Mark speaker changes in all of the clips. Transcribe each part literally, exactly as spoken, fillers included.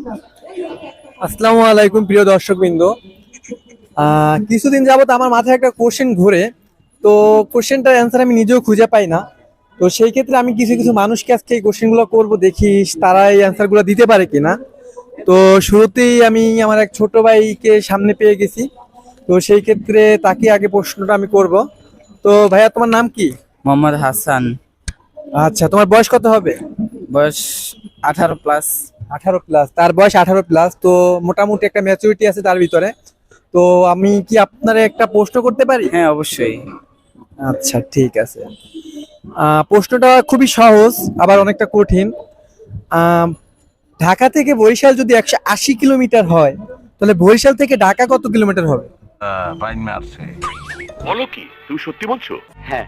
Speaker 1: আসসালামু আলাইকুম প্রিয় দর্শকবৃন্দ। আহ কিছুদিন যাবত আমার মাথায় একটা কোশ্চেন ঘুরে, তো কোশ্চেনটার অ্যান্সার আমি নিজেও খুঁজে পাই না। তো সেই ক্ষেত্রে আমি কিছু কিছু মানুষকে আজকে এই কোশ্চেনগুলো করবো, দেখি তারা এই অ্যান্সারগুলো দিতে পারে কিনা। তো শুরুতেই আমি আমার এক ছোট ভাইকে সামনে পেয়ে গেছি, তো সেই ক্ষেত্রে তাকে আগে প্রশ্নটা আমি করব। তো ভাইয়া, তোমার নাম কি?
Speaker 2: মোহাম্মদ হাসান।
Speaker 1: আচ্ছা, তোমার বয়স কত হবে?
Speaker 2: বয়স আঠারো প্লাস।
Speaker 1: আঠারো প্লাস, তার বয়স আঠারো প্লাস, তো মোটামুটি একটা ম্যাচুরিটি আছে তার ভিতরে। তো আমি কি আপনার একটা প্রশ্ন করতে পারি?
Speaker 2: হ্যাঁ, অবশ্যই।
Speaker 1: আচ্ছা, ঠিক আছে। আহ, প্রশ্নটা খুবই সহজ আবার অনেকটা কঠিন। আহ, ঢাকা থেকে বরিশাল যদি একশো আশি কিলোমিটার হয়, তাহলে বরিশাল থেকে ঢাকা কত কিলোমিটার হবে?
Speaker 3: আহ, বাইন মারছে। বলো কি, তুমি সত্যি বলছো? হ্যাঁ।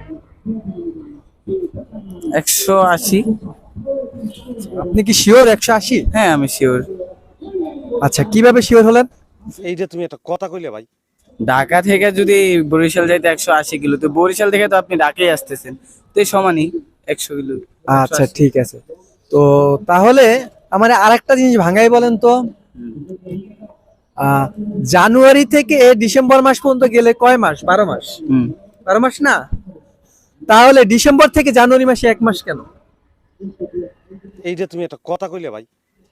Speaker 2: একশো আশি।
Speaker 1: আপনি কি শিওর একশো আশি?
Speaker 2: হ্যাঁ, আমি শিওর।
Speaker 1: আচ্ছা, কিভাবে শিওর হলেন?
Speaker 4: এইটা তুমি একটা কথা কইলে ভাই।
Speaker 2: ঢাকা থেকে যদি বরিশাল যাইতে একশো আশি কিলো, তো বরিশাল থেকে তো আপনি ঢাকায় আসতেছেন, তো এই সমানই একশো কিলো।
Speaker 1: আচ্ছা, ঠিক আছে। তো তাহলে আমার আরেকটা জিনিস ভাঙাই বলেন তো। আহ জানুয়ারি থেকে ডিসেম্বর মাস পর্যন্ত গেলে কয় মাস? বারো মাস।
Speaker 2: হুম।
Speaker 1: বারো মাস না? তাহলে ডিসেম্বর থেকে জানুয়ারি মাসে এক মাস কেন?
Speaker 4: এইটা তুমি একটা কথা কইলে ভাই।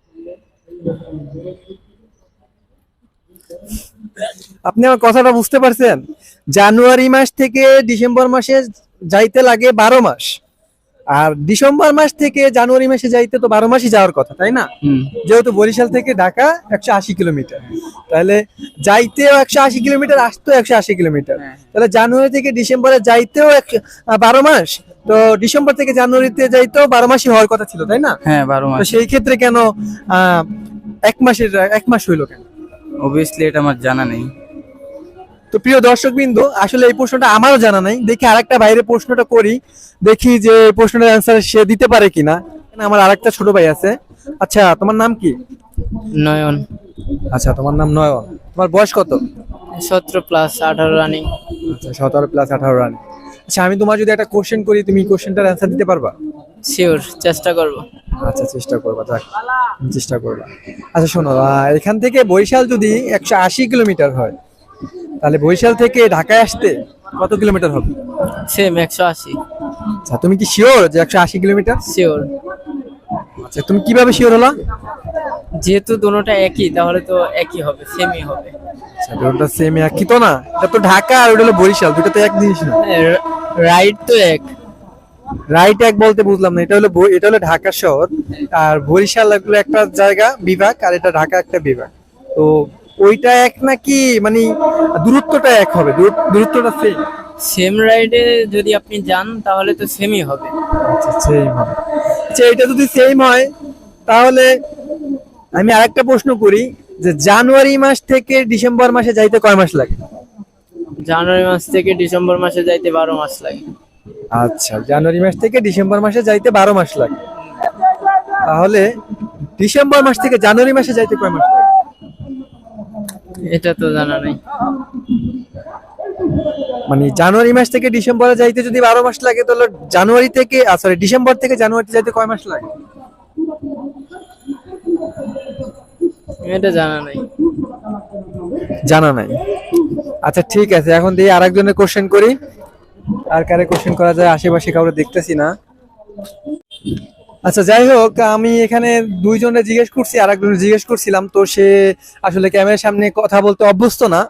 Speaker 1: আপনি আমার কথাটা বুঝতে পারছেন? জানুয়ারি মাস থেকে ডিসেম্বর মাসে যাইতে লাগে বারো মাস, আর ডিসেম্বর মাস থেকে জানুয়ারি মাসে যাইতে তো বারো মাসই যাওয়ার কথা, তাই না?
Speaker 2: হুম।
Speaker 1: যেহেতু বরিশাল থেকে ঢাকা একশো আশি কিলোমিটার, তাহলে যাইতেও একশো আশি কিলোমিটার, আসতেও একশো আশি কিলোমিটার। তাহলে জানুয়ারি থেকে ডিসেম্বরে যাইতেও বারো মাস, তো ডিসেম্বর থেকে জানুয়ারিতে যাইতেও বারো মাসই হওয়ার কথা ছিল, তাই না?
Speaker 2: হ্যাঁ, বারো
Speaker 1: তো
Speaker 2: মাস।
Speaker 1: সেই ক্ষেত্রে কেন আহ এক মাসের এক মাস হইলো কেন?
Speaker 2: অবভিয়াসলি এটা আমার জানা নেই।
Speaker 1: তো প্রিয় দর্শক বিন্দু, আসলে এই প্রশ্নটা আমারও জানা নাই, দেখি আরেকটা বাইরে প্রশ্নটা করি, দেখি যে এই প্রশ্নের অ্যান্সার সে দিতে পারে কিনা। এখানে আমার আরেকটা ছোট ভাই আছে। আচ্ছা, তোমার নাম কি?
Speaker 5: নয়ন।
Speaker 1: আচ্ছা, তোমার নাম নয়ন। তোমার বয়স কত?
Speaker 5: সতেরো প্লাস, আঠারো রানিং।
Speaker 1: আচ্ছা, সতেরো প্লাস আঠারো রান। আচ্ছা, আমি তোমার যদি একটা কোশ্চেন করি, তুমি কোশ্চেনটার অ্যান্সার দিতে পারবা?
Speaker 5: শিওর, চেষ্টা করব।
Speaker 1: আচ্ছা, চেষ্টা করবা, যাক, চেষ্টা করবা। আচ্ছা শোনো, আহ, এখান থেকে বরিশাল যদি একশো আশি কিলোমিটার হয়, তাহলে বরিশাল থেকে ঢাকায় আসতে কত কিলোমিটার হবে?
Speaker 5: সেম একশো আশি।
Speaker 1: আচ্ছা, তুমি কি শিওর যে একশো আশি কিলোমিটার?
Speaker 5: শিওর।
Speaker 1: আচ্ছা, তুমি কিভাবে শিওর হলা?
Speaker 5: যেহেতু দুটোটা একই, তাহলে তো একই হবে, সেমই হবে।
Speaker 1: আচ্ছা, দুটোটা সেম একই তো না? এটা তো ঢাকা আর ওটা হলো বরিশাল, দুটো তো এক জিনিস না।
Speaker 5: রাইট তো এক।
Speaker 1: রাইট এক বলতে বুঝলাম না, এটা হলো ব- এটা হলো ঢাকা শহর, আর বরিশাল হলো একটা জায়গা, বিভাগ, আর এটা ঢাকা একটা বিভাগ। তো ওইটা এক নাকি, মানে দূরত্বটা এক হবে? দূর- দূরত্বটা সেম?
Speaker 5: সেম রাইডে যদি আপনি যান তাহলে তো সেমই হবে।
Speaker 1: আচ্ছা, সেম হবে। আচ্ছা, এটা যদি সেম হয়, তাহলে আমি আরেকটা প্রশ্ন করি, যে জানুয়ারি মাস থেকে ডিসেম্বর মাসে যাইতে কয় মাস লাগে?
Speaker 5: জানুয়ারি মাস থেকে ডিসেম্বর মাসে যাইতে বারো মাস লাগে।
Speaker 1: আচ্ছা, জানুয়ারি মাস থেকে ডিসেম্বর মাসে যাইতে বারো মাস লাগে, তাহলে ডিসেম্বর মাস থেকে জানুয়ারি মাসে যাইতে কয় মাস লাগে?
Speaker 5: এটা তো জানা নাই।
Speaker 1: মানে জানুয়ারি মাস থেকে ডিসেম্বরে যাইতে যদি বারো মাস লাগে, তাহলে জানুয়ারি থেকে সরি ডিসেম্বর থেকে জানুয়ারিতে যাইতে কয় মাস লাগে?
Speaker 5: এটা জানা নাই।
Speaker 1: জানা নাই। আচ্ছা, ঠিক আছে, এখন দিয়ে আরেকজনের কোশ্চেন করি। আর কারে কোশ্চেন করা যায়, আশেপাশে কাউকে দেখতেছি না। আচ্ছা, যাই হোক, আমি এখানে দুইজনে জিজ্ঞেস করছি, আর একজনে জিজ্ঞেস করছিলাম, তো সে আসলে ক্যামেরার সামনে কথা বলতে অভ্যস্ত না।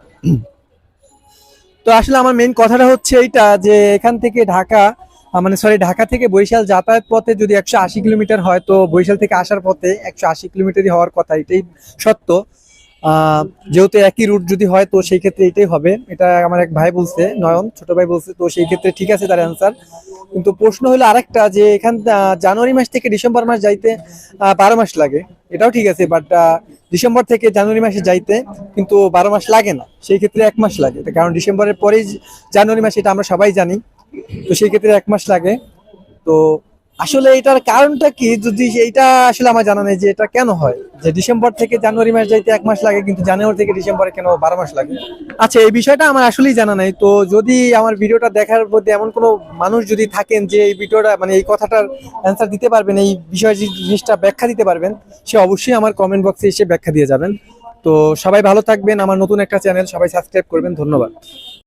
Speaker 1: তো আসলে আমার মেইন কথাটা হচ্ছে এইটা, যে এখান থেকে ঢাকা আহ, মানে সরি ঢাকা থেকে বরিশাল যাতায়াত পথে যদি একশো আশি কিলোমিটার হয়, তো বরিশাল থেকে আসার পথে একশো আশি কিলোমিটারই হওয়ার কথা, এটাই সত্য। আহ যেহেতু একই রুট যদি হয়, তো সেই ক্ষেত্রে এটাই হবে, এটা আমার এক ভাই বলছে, নয়ন ছোট ভাই বলছে, তো সেই ক্ষেত্রে ঠিক আছে তার অ্যান্সার। কিন্তু প্রশ্ন হলো আরেকটা, যে এখান আহ, জানুয়ারি মাস থেকে ডিসেম্বর মাস যাইতে আহ, বারো মাস লাগে, এটাও ঠিক আছে, বাট ডিসেম্বর থেকে জানুয়ারি মাসে যাইতে কিন্তু বারো মাস লাগে না, সেই ক্ষেত্রে এক মাস লাগে, কারণ ডিসেম্বরের পরেই জানুয়ারি মাস, এটা আমরা সবাই জানি। তো সেই ক্ষেত্রে এক মাস লাগে। তো আসলে এটার কারণটা কি, যদি এইটা আসলে আমার জানা নেই যে এটা কেন হয়, যে ডিসেম্বর থেকে জানুয়ারি মাস যাইতে এক মাস লাগে কিন্তু জানুয়ারি থেকে ডিসেম্বরে কেন বারো মাস লাগে। আচ্ছা, এই বিষয়টা আমার আসলেই জানা নাই। তো যদি আমার ভিডিওটা দেখার মধ্যে এমন কোনো মানুষ যদি থাকেন যে এই ভিডিওটা মানে এই কথাটার অ্যান্সার দিতে পারবেন, এই বিষয় জিনিসটা ব্যাখ্যা দিতে পারবেন, সে অবশ্যই আমার কমেন্ট বক্সে এসে ব্যাখ্যা দিয়ে যাবেন। তো সবাই ভালো থাকবেন, আমার নতুন একটা চ্যানেল, সবাই সাবস্ক্রাইব করবেন, ধন্যবাদ।